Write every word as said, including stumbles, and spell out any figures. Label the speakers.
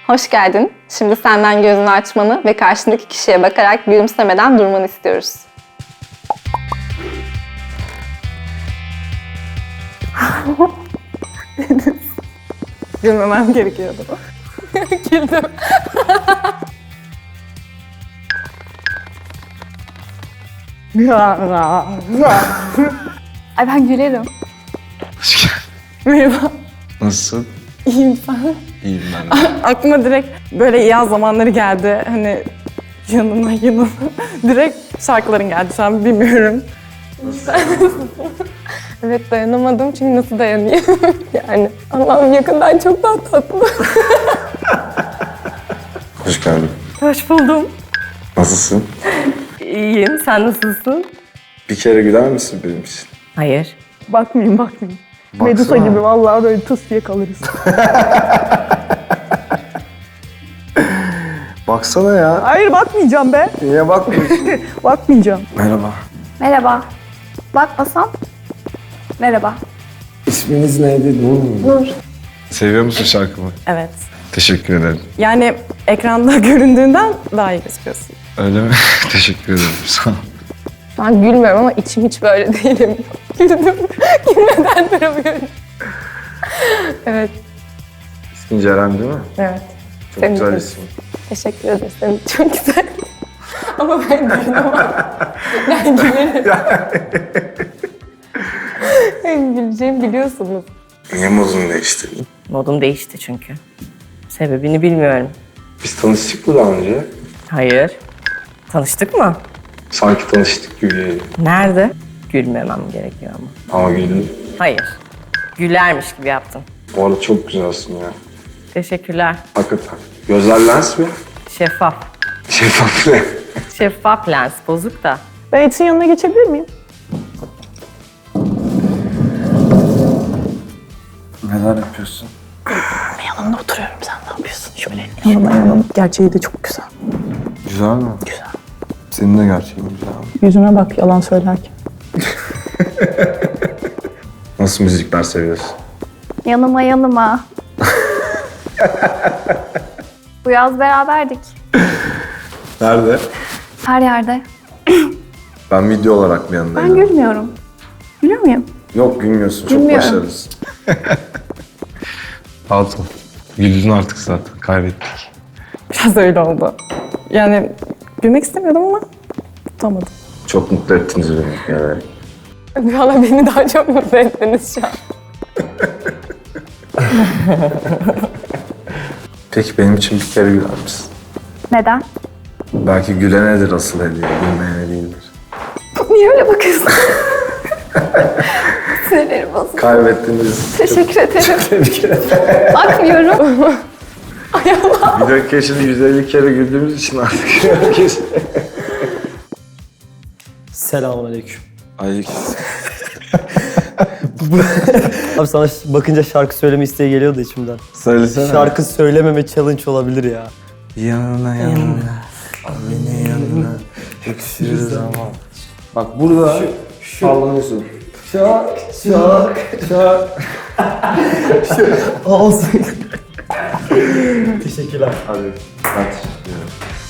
Speaker 1: Hoş geldin. Şimdi senden gözünü açmanı ve karşındaki kişiye bakarak gülümsemeden durmanı istiyoruz. Gülmemem gerekiyordu. Güldüm. Ay ben gülerim.
Speaker 2: Hoş geldin.
Speaker 1: Merhaba.
Speaker 2: Nasılsın?
Speaker 1: İyiyim sen.
Speaker 2: İyiyim ben de.
Speaker 1: Aklıma direkt böyle yaz zamanları geldi. Hani yanıma yanıma. Direkt şarkıların geldi. Şu an bilmiyorum. Evet dayanamadım çünkü nasıl dayanayım? Yani Allah'ım yakından çok daha tatlı.
Speaker 2: Hoş geldin.
Speaker 1: Hoş buldum.
Speaker 2: Nasılsın?
Speaker 3: İyiyim. Sen nasılsın?
Speaker 2: Bir kere güler misin benim için?
Speaker 3: Hayır.
Speaker 1: Bakmayayım bakmayayım.
Speaker 2: Baksana.
Speaker 1: Medusa gibi vallahi böyle tıs diye kalırız.
Speaker 2: Baksana ya.
Speaker 1: Hayır bakmayacağım be.
Speaker 2: Niye bakmıyorsun?
Speaker 1: Bakmayacağım.
Speaker 2: Merhaba.
Speaker 4: Merhaba. Bakmasam? Merhaba.
Speaker 2: İsminiz neydi? Nur mu?
Speaker 4: Nur.
Speaker 2: Seviyor musun şarkımı?
Speaker 3: Evet.
Speaker 2: Teşekkür ederim.
Speaker 1: Yani ekranda göründüğünden daha iyi gözüküyorsun.
Speaker 2: Öyle mi? Teşekkür ederim. Sağ ol.
Speaker 1: Şu an gülmüyorum ama içim hiç böyle değilim. Güldüm. Gülmeden duramıyorum. Evet,
Speaker 2: İsmin Ceren değil mi?
Speaker 1: evet.
Speaker 2: Çok
Speaker 1: Senin
Speaker 2: güzel
Speaker 1: de.
Speaker 2: isim.
Speaker 1: Teşekkür ederim. Senin çok güzel. Ama ben dayanamam. Ben gülerim. Ben güleceğimi biliyorsunuz.
Speaker 2: Niye modunu değiştirdin?
Speaker 3: Modum değişti çünkü. Sebebini bilmiyorum.
Speaker 2: Biz tanıştık mı daha önce?
Speaker 3: Hayır. Tanıştık mı?
Speaker 2: Sanki tanıştık gibi.
Speaker 3: Nerede? Gülmemem gerekiyor ama.
Speaker 2: Ama güldün.
Speaker 3: Hayır. Gülermiş gibi yaptım.
Speaker 2: Bu arada çok güzelsin ya.
Speaker 3: Teşekkürler.
Speaker 2: Hakikaten. Gözler lens mi?
Speaker 3: Şeffaf.
Speaker 2: Şeffaf ne?
Speaker 3: Şeffaf lens. Bozuk da.
Speaker 1: Ben Etin yanına geçebilir miyim?
Speaker 2: Neler yapıyorsun?
Speaker 1: Yanında oturuyorum. Sen ne yapıyorsun? Şöyle yanıma yanım. Gerçeği de çok güzel.
Speaker 2: Güzel mi? Güzel. Senin de gerçekten güzel.
Speaker 1: Yüzüme bak yalan söylerken.
Speaker 2: Nasıl müzikler seviyorsun?
Speaker 4: Yanıma yanıma. Bu yaz beraberdik.
Speaker 2: Nerede?
Speaker 4: Her yerde.
Speaker 2: Ben video olarak mı
Speaker 4: Ben
Speaker 2: yanındayım?
Speaker 4: gülmüyorum. Gülüyor muyum?
Speaker 2: Yok gülmüyorsun. Çok
Speaker 4: Gülmüyorum.
Speaker 2: başarılısın. Altın. Güldün artık zaten. Kaybettik.
Speaker 1: Biraz öyle oldu. Yani gülmek istemiyordum ama tutamadım.
Speaker 2: Çok mutlu ettiniz beni. Yani.
Speaker 1: Valla beni daha çok mutlu ettiniz şu an.
Speaker 2: Peki benim için bir kere güler misin?
Speaker 4: Neden?
Speaker 2: Belki gülenedir asıl hediye. Gülmeyene değildir.
Speaker 4: Niye öyle bakıyorsun? Sinirlerim bozuldu.
Speaker 2: Kaybettiniz.
Speaker 4: Teşekkür ederim.
Speaker 2: Tebrik ederim.
Speaker 4: Bakmıyorum.
Speaker 2: Bir dakika şimdi yüz elli kere güldüğümüz için artık herkes...
Speaker 5: Selamünaleyküm.
Speaker 2: Aleyküm.
Speaker 5: Abi sana ş- bakınca şarkı söyleme isteği geliyordu içimden.
Speaker 2: Söylesene.
Speaker 5: Şarkı söylememe challenge olabilir ya.
Speaker 2: Yanına yanına. Al beni yanına. Öksürüz ama. Bak burada sallanıyorsun. Şak şak şak.
Speaker 5: Olsun. Teşekkürler.
Speaker 2: Hadi. Hadi.